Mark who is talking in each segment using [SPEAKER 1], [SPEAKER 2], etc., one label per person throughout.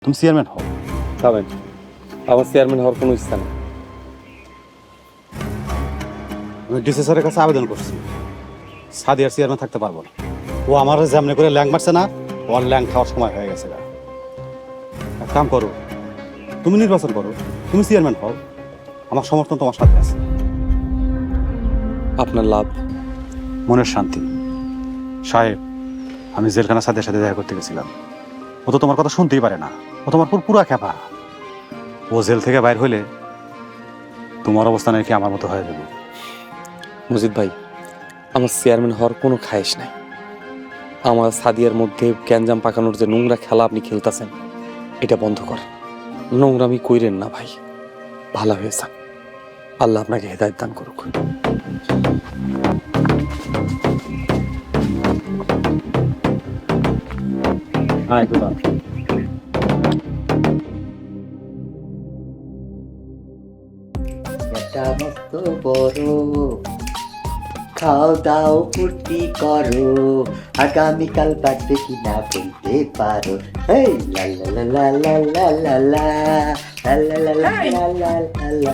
[SPEAKER 1] তুমি চেয়ারম্যান হও।
[SPEAKER 2] খাবেন, আমার চেয়ারম্যান হওয়ার কোনো ইচ্ছা নেই।
[SPEAKER 1] আমি ডিসি স্যারের কাছে আবেদন করছি, সাদিয়ার চেয়ারম্যান থাকতে পারবো না। ও আমার যেমনি করে ল্যাং মারছে না, ওর ল্যাং খাওয়ার সময় হয়ে গেছে। এক কাম করো, তুমি নির্বাচন করো, তুমি চেয়ারম্যান হও, আমার সমর্থন তোমার সাথে আছে।
[SPEAKER 2] আপনার লাভ।
[SPEAKER 1] মনের শান্তি। সাহেব, আমি জেলখানা সাথে সাথে দেখা করতে গেছিলাম। ও তো তোমার কথা শুনতেই পারে না, ও তোমার পুরা খেপা। ও জেল থেকে বাইর হইলে তোমার অবস্থা নাকি আমার মতো হয়ে যাবে।
[SPEAKER 2] মজিদ ভাই, আমার চেয়ারম্যান হওয়ার কোনো খায়েশ নাই। আমার সাদিয়ার মধ্যে গ্যাঞ্জাম পাকানোর যে নোংরা খেলা আপনি খেলতেছেন, এটা বন্ধ করেন। নোংরামি কইরেন না ভাই, ভালো হয়েছে। আল্লাহ আপনাকে হেদায়েত দান করুক।
[SPEAKER 3] এটা মস্ত বড়, খাও দাও ফুর্তি করো, আগামীকাল বাড়বে কিনা বলতে পারো। এই লা লা লা লা লা লা লা লা লা লা লা লা লা লা লা।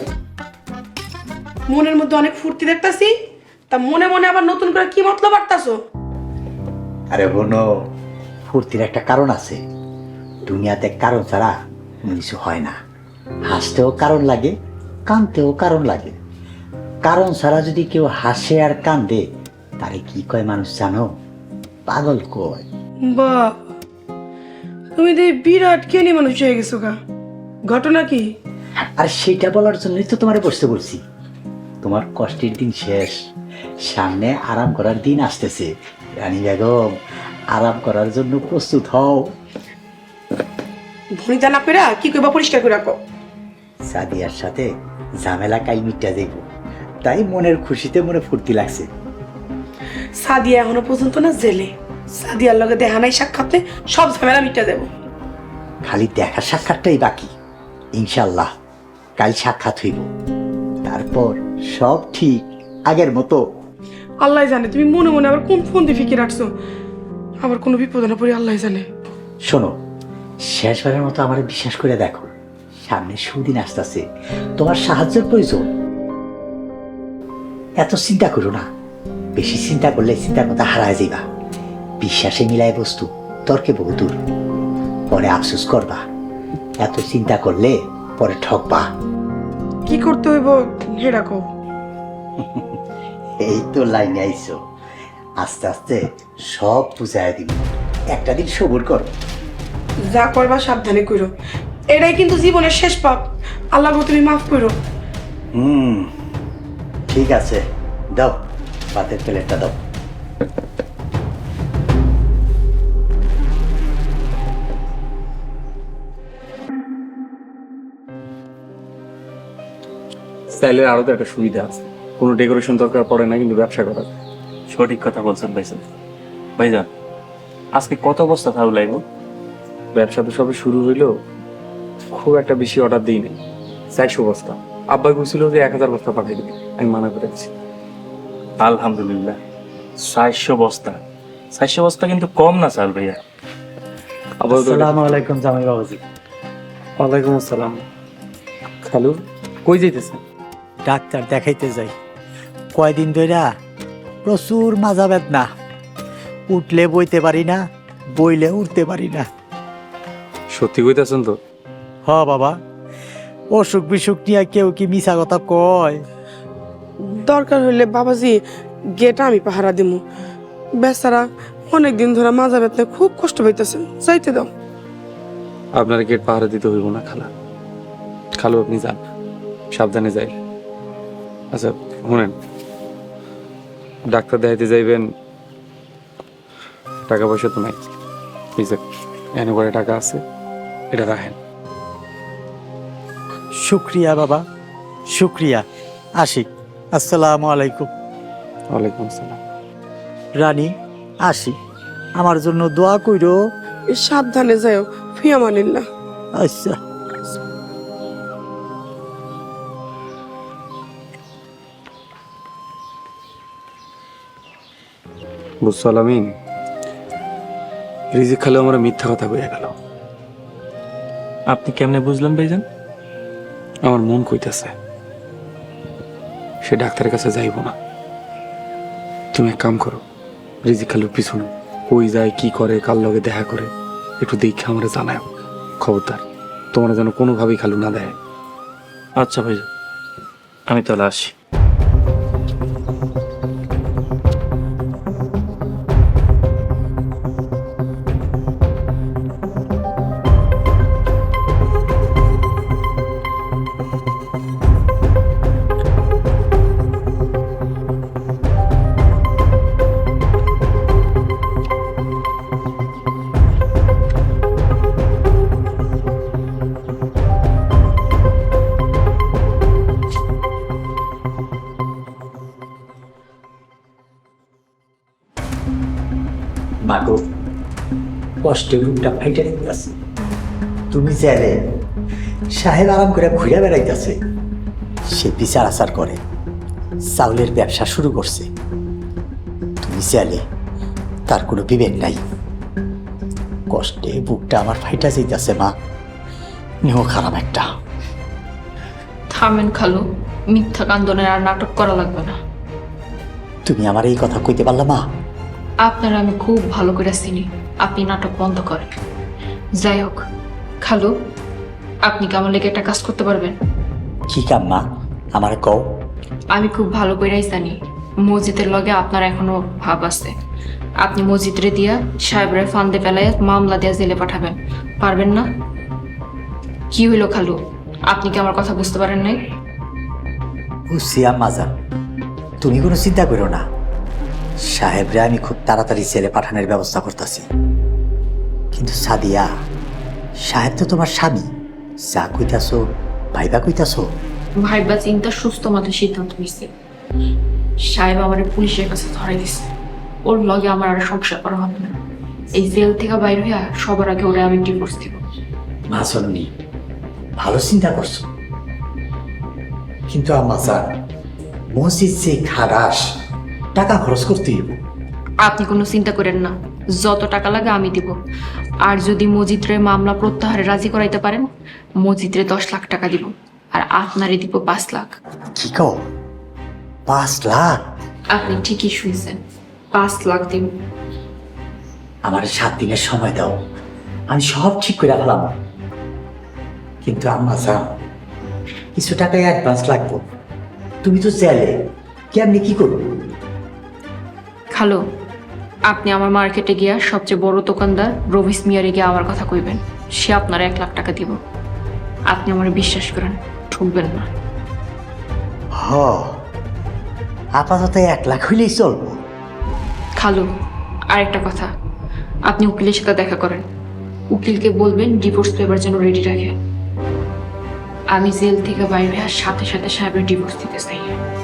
[SPEAKER 4] মনের মধ্যে অনেক ফুর্তি দেখতাছি, তা মনে মনে আবার নতুন করে কি মতলব বাড়তাছো?
[SPEAKER 3] আরে বোনো, ফুর্তির একটা কারণ আছে। দুনিয়াতে কারণ ছাড়া কোনো কিছু হয় না। হাসতেও কারণ লাগে, কাঁদতেও কারণ লাগে। কারণ ছাড়া যদি কেউ হাসে আর কান্দে, তারে কি কয় মানুষ জানো? পাগল কয়।
[SPEAKER 4] বাহ, তুমি তো এই বিরাট জ্ঞানী মানুষ হয়ে গেছো গা। ঘটনা কি?
[SPEAKER 3] আর সেটা বলার জন্যই তো তোমারে বসতে বলছি। তোমার কষ্টের দিন শেষ, সামনে আরাম করার দিন আসতেছে। রানী বেগম, আরাম করার জন্য প্রস্তুত হও।
[SPEAKER 4] ভনিতা না পেরা কি কইবা পরিষ্কার করে রাখো।
[SPEAKER 3] সাদিয়ার সাথে ঝামেলা কাল মিটটা যাইব, তাই মনের খুশিতে মনে ফুর্তি লাগছে।
[SPEAKER 4] সাদিয়া এখনো পর্যন্ত না জেলে। সাদিয়ার লগে দেখা নাই সাক্ষাৎ, সব ঝামেলা মিটা দেব।
[SPEAKER 3] খালি দেখা সাক্ষাৎটাই বাকি। ইনশাল্লাহ কাল সাক্ষাৎ হইব, তারপর সব ঠিক আগের মতো।
[SPEAKER 4] আল্লাহ জানে তুমি মনে মনে আবার কোন ফোন দিয়ে ফিকে রাখছো। আবার কোনো বিপদে না পড়ি আল্লাহ জানে।
[SPEAKER 3] শোনো, শেষবারের মতো আমার বিশ্বাস করে দেখো, সামনে সুদিন আসতেছে, তোমার সাহায্যের প্রয়োজন। এত চিন্তা করো না, বেশি চিন্তা করলে চিন্তার কথা হারায় যাইবা। বিশ্বাসে মিলায় বস্তু, তর্কে বহুদূর। পরে আফসোস করবা, এত চিন্তা করলে পরে ঠকবা।
[SPEAKER 4] কি করতে হইব হে রাখো।
[SPEAKER 3] এই তো লাইনে আইছো, আস্তে আস্তে সব বুঝাই দিব। একটা দিন সবুর করো।
[SPEAKER 4] যা করবা সাবধানে করো, এটাই কিন্তু জীবনের শেষ পাপ। আল্লাহ তুমি মাফ করো।
[SPEAKER 3] ঠিক আছে, দাও ভাতের প্লেটটা দাও।
[SPEAKER 2] স্টাইলের আরো তো একটা সুবিধা আছে, কোনো ডেকোরেশন দরকার পড়ে না কিন্তু ব্যবসা করার।
[SPEAKER 5] সঠিক কথা বলছেন ভাইজান। ভাইজান, আজকে কত বস্তা থাকু লাগবো?
[SPEAKER 2] ব্যবসা তো সবে শুরু হইলো, খুব একটা বেশি অর্ডার দিই নাই। 400 বস্তা। আব্বা বলছিল যে 1000 বস্তা পাঠিয়ে দিবি, আমি মানা করেছি।
[SPEAKER 5] আলহামদুলিল্লাহ, 400 বস্তা। 400 বস্তা কিন্তু কম না চাল ভাইয়া।
[SPEAKER 3] আসসালামু আলাইকুম জামাই বাবাজি।
[SPEAKER 2] ওয়ালাইকুম আসসালাম। খালু, কই যাইতেছেন?
[SPEAKER 3] ডাক্তার দেখাইতে যাই। কয়দিন ধইরা প্রচুর মাজা বেদনা, উঠলে বইতে পারি না, বইলে উঠতে পারি না।
[SPEAKER 2] সত্যি কইতেছেন তো?
[SPEAKER 3] হ বাবা, অসুখ বিসুখ নিয়ে কেউ কি মিছা কথা কয়?
[SPEAKER 4] দরকার হইলে বাবাজি গেটা আমি পাহারা দিমু। বেচারা অনেকদিন ধরে মাজা ব্যথায় খুব কষ্ট পাইতেছে, যাইতে দাও।
[SPEAKER 2] আপনার গেট পাহারা দিতে হইব না খালা। খালু আপনি যান, সাবধানে যাই। আচ্ছা শুনেন, ডাক্তার দেখাইতে যাইবেন, টাকা পয়সা তো নাই। এনে করে টাকা আছে, এটা রাখেন।
[SPEAKER 6] শুক্রিয়া বাবা, শুক্রিয়া। আসি, আসসালামু আলাইকুম।
[SPEAKER 2] ওয়ালাইকুম আসসালাম।
[SPEAKER 6] রানী, আসি, আমার জন্য দোয়া কইরো।
[SPEAKER 4] সাবধানে যাও, ফিয়ামানিল্লাহ।
[SPEAKER 6] আচ্ছা।
[SPEAKER 2] বুঝছো আলামিন, রিজিক খালে আমার মিথ্যা কথা কইয়া গেল।
[SPEAKER 5] আপনি কেমনে বুঝলেন ভাইজান?
[SPEAKER 2] আমার মন কইতেছে সে ডাক্তারের কাছে যাইব না। তুমি এক কাম করো, রিজিক খালুর পিছনে কই যায়, কি করে, কার লগে দেখা করে, একটু দেখে আমার জানায়। খবরদার তোমার যেন কোনোভাবেই খালু না দেয়।
[SPEAKER 5] আচ্ছা ভাইজান, আমি তাহলে আসি।
[SPEAKER 3] মাগো, কষ্টে রূপটা ফাইটে দিতেছে। তুমি চাইলে সাহেব আরাম করে ঘুরে বেড়াইতেছে, সে বিচার আচার করে চাউলের ব্যবসা শুরু করছে। তুমি চাইলে তার কোনো বিবেক নাই। কষ্টে বুকটা আমার ফাইটা যাইতেছে মা, নেহ খারাপ একটা।
[SPEAKER 7] থামেন খালু, মিথ্যা কান্দনের আর নাটক করা লাগবে না।
[SPEAKER 3] তুমি আমার এই কথা কইতে পারলা মা?
[SPEAKER 7] আপনার আমি খুব ভালো করে চিনি, আপনি নাটক বন্ধ করেন। যাই হোক খালু, আপনি কি আমার লেগে একটা কাজ করতে পারবেন?
[SPEAKER 3] কি কাম মা, আমার কও।
[SPEAKER 7] আমি খুব ভালো করেই জানি মসজিদের লগে আপনার এখনো ভাব আছে। আপনি মসজিদরে দিয়া সাহেবরে ফান্দে ফেলাইয়া মামলা দিয়া জেলে পাঠাবেন, পারবেন না? কি হইল খালু, আপনি কি আমার কথা বুঝতে পারেন নাই?
[SPEAKER 3] বুঝছি আম্মা যান, তুমি কোনো চিন্তা করো না। সাহেবরে আমি খুব তাড়াতাড়ি ছেলে পাঠানোর ব্যবস্থা করতেছি। কিন্তু সাদিয়া, সাহেব তো তোমার স্বামী, যা কইতাছো ভাইবা কইতাছো।
[SPEAKER 7] ভাইবা চিন্তা সুস্থ মাথায় সিদ্ধান্ত নিচ্ছে। সাহেব আমার পুলিশের কাছে ধরাই দিচ্ছে, ওর লগে আমার আর সংসার করা হবে না। এই জেল থেকে বাইর হইয়া সবার আগে ওরা আমি ডিভোর্স দিব।
[SPEAKER 3] মা শোনি, ভালো চিন্তা করছো, কিন্তু আম্মা যান, মসজিদ যে খারাস, টাকা খরচ করতে হইব।
[SPEAKER 7] আপনি কোনো চিন্তা করেন না, যত টাকা লাগে আমি দিব। আর যদি মসজিদরে মামলা প্রত্যাহারে রাজি করাইতে পারেন, মসজিদরে 10 লাখ টাকা দিব, আর আপনারে দিব 5 লাখ।
[SPEAKER 3] কি কও, 5 লাখ?
[SPEAKER 7] আপনি ঠিকই শুনছেন, 5 লাখ দিব।
[SPEAKER 3] আমার 7 দিনের সময় দাও, আমি সব ঠিক করে ফেলাম। কিন্তু আম্মা যান, কিছু টাকায় অ্যাডভান্স লাগবো। তুমি তো চাইলে কেমনি কি করবো?
[SPEAKER 7] খালো, আপনি আমার মার্কেটে গিয়া সবচেয়ে বড় দোকানদার রবিস মিয়ারে গিয়ে আমার কথা কইবেন, সে আপনার 1 লাখ টাকা দিব। আপনি আমার বিশ্বাস করেন, ঠকবেন না।
[SPEAKER 3] হ, আপাতত 1 লাখ হইলেই চলবো।
[SPEAKER 7] খালু, আরেকটা কথা, আপনি উকিলের সাথে দেখা করেন। উকিলকে বলবেন ডিভোর্স পেপার যেন রেডি রাখে। আমি জেল থেকে বাইরে আর সাথে সাথে সাহেবের ডিভোর্স দিতে চাই।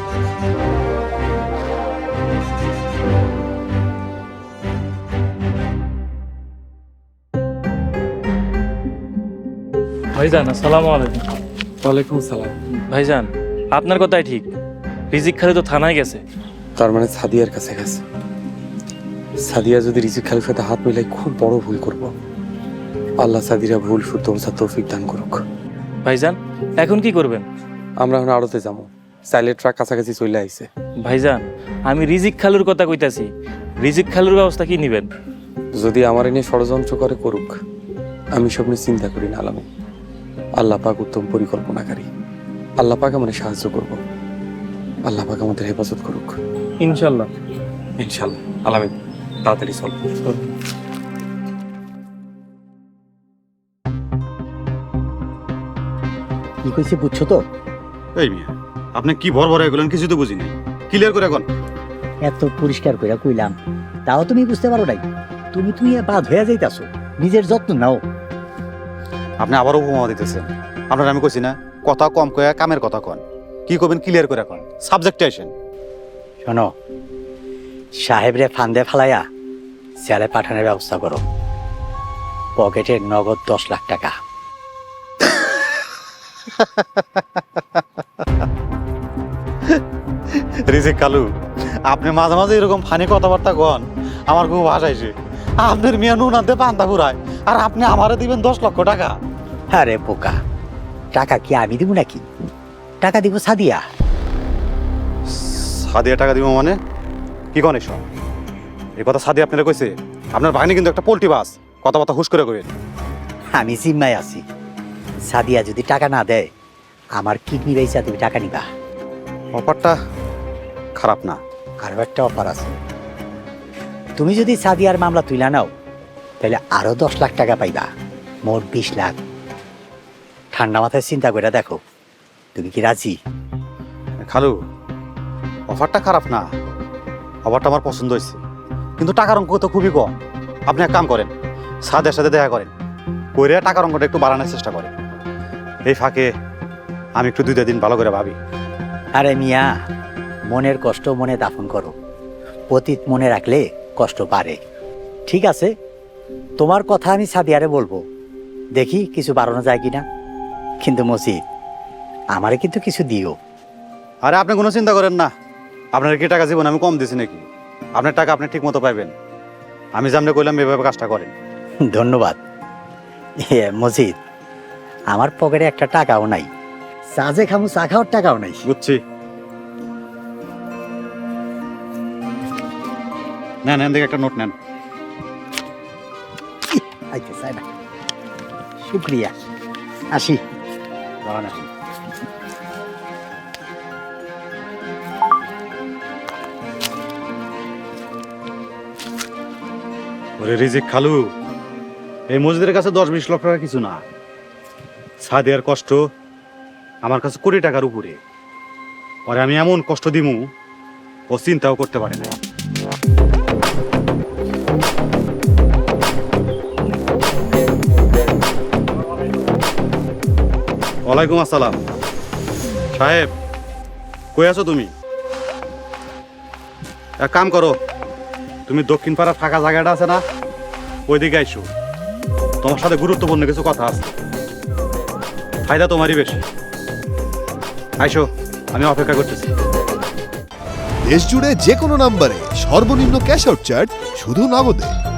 [SPEAKER 5] ভাইজান আসসালামু আলাইকুম।
[SPEAKER 2] ওয়ালাইকুম সালাম।
[SPEAKER 5] ভাইজান, আপনার কথাই ঠিক, রিজিক খালু তো থানায় গেছে।
[SPEAKER 2] তার মানে সাদিয়ার কাছে গেছে। সাদিয়া যদি রিজিক খালুর সাথে হাত মিলাই খুব বড় ভুল করব। আল্লাহ সাদিরা ভুল শুদ্ধ বোঝার তৌফিক দান করুক।
[SPEAKER 5] ভাইজান, এখন কি করবেন?
[SPEAKER 2] আমরা এখন আড়তে যাবো, চাইলে ট্রাক কাছাকাছি চলে আইছে।
[SPEAKER 5] ভাইজান, আমি রিজিক খালুর কথা কইতাছি, রিজিক খালুর ব্যবস্থা কি নিবেন?
[SPEAKER 2] যদি আমার এনে ষড়যন্ত্র করে করুক, আমি সব নিয়ে চিন্তা করি না আলামী। আল্লাহ পাক উত্তম পরিকল্পনাকারী, আল্লাহ পাক আমাদের সাহায্য করব, আল্লাহ পাক আমাদের হেফাজত করুক
[SPEAKER 5] ইনশাল্লাহ।
[SPEAKER 2] ইনশাল্লাহ। আলামী, তাড়াতাড়ি চল।
[SPEAKER 3] কি কইছে বুঝছো তো?
[SPEAKER 1] এই মিয়া, আপনি কি ভর ভর এগুলেন কিছু তো বুঝি নাই, ক্লিয়ার করে এখন।
[SPEAKER 6] এত পরিষ্কার করে কইলাম, তাও তুমি বুঝতে পারো নাই। তুমি বাদ হয়ে যাইতাছো, নিজের যত্ন নাও।
[SPEAKER 1] আপনি আবারও উপমা দিতেছেন। আপনার আমি কইছি না, কথা কম কয়া কামের কথা কন। কি করবেন ক্লিয়ার করে এখন, সাবজেক্টে আসেন।
[SPEAKER 3] শোনো, সাহেবরে ফান্দে ফেলাইয়া জেলে পাঠানোর ব্যবস্থা করো। পকেটে নগদ 10 লাখ টাকা।
[SPEAKER 1] রিজিক কালু, আপনি মাঝে মাঝে এরকম ফানি কথাবার্তা কন, আমার খুব হাসাইছে। আপনার মিয়া নুন আনতে পান্তা ঘুরায়, আর আপনি আমারে দিবেন 10 লক্ষ টাকা।
[SPEAKER 3] আরে বোকা, টাকা কি আমি দিব নাকি? টাকা দিব সাদিয়া।
[SPEAKER 1] সাদিয়া টাকা দিব মানে কি কন এসব? এই কথা সাদিয়া আপনারা কইছে? আপনার বাহিনী কিন্তু একটা পোল্ট্রি বাস, কথাবার্তা হুশ করে কইবেন।
[SPEAKER 3] আমি জিম্মায় আছি, সাদিয়া যদি টাকা না দেয় আমার কিডনি বেচা তুমি টাকা নিবা।
[SPEAKER 1] অফারটা খারাপ না।
[SPEAKER 3] আরো একটা অফার আছে, তুমি যদি সাদিয়ার মামলা তুইলা নাও তাহলে আরো 10 লাখ টাকা পাইবা, মোট 20 লাখ। ঠান্ডা মাথায় চিন্তা করে দেখো, তুমি কি রাজি?
[SPEAKER 1] খালু, অফারটা খারাপ না, অফারটা আমার পছন্দ হয়েছে, কিন্তু টাকার অঙ্ক তো খুবই কম। আপনি এক কাম করেন, সাদের সাথে দেখা করেন, করে টাকার অঙ্কটা একটু বাড়ানোর চেষ্টা করেন। এই ফাঁকে আমি একটু 2 দিন ভালো করে ভাবি।
[SPEAKER 3] আরে মিয়া, মনের কষ্ট মনে দাফন করো, অতীত মনে রাখলে কষ্ট বাড়ে। ঠিক আছে, তোমার কথা আমি সাদিয়ারে বলবো, দেখি কিছু বাড়ানো যায় কিনা। কিন্তু মসজিদ, আমারে কিন্তু কিছু দিও।
[SPEAKER 1] আরে আপনি কোনো চিন্তা করেন না, আপনার কি টাকা জীবন আমি কম দিছি নাকি? আপনার টাকা আপনি ঠিক মতো পাইবেন। আমি যেমনি কইলাম এভাবে কাজটা করেন।
[SPEAKER 3] ধন্যবাদ। মসজিদ, আমার পকেটে একটা টাকাও নাই, চা যে খামু চা খাওয়ার টাকাও নাই।
[SPEAKER 1] বুঝছি। নেন, এখান থেকে একটা নোট নেন।
[SPEAKER 3] আইতে চাই না, শুক্রিয়া, আসি।
[SPEAKER 1] দাঁড়ান এখন। ওরে রিজিক খালু, এই মসজিদের কাছে 10-20 লক্ষ টাকা কিছু না। সাদিয়ার কষ্ট আমার কাছে কোটি টাকার উপরে। পরে আমি এমন কষ্ট দিমু ও চিন্তাও করতে পারে না। ওয়ালাইকুম আসসালাম। সাহেব, কই আছো তুমি? এক কাম করো, তুমি দক্ষিণ পাড়ার ফাঁকা জায়গাটা আছে না, ওইদিকে আইসো। তোমার সাথে গুরুত্বপূর্ণ কিছু কথা আছে, ফায়দা তোমারই বেশি। আইসো, আমি অপেক্ষা করতেছি।
[SPEAKER 8] দেশ জুড়ে যে কোনো নম্বরে সর্বনিম্ন ক্যাশ আউট চার্জ শুধু নগদে।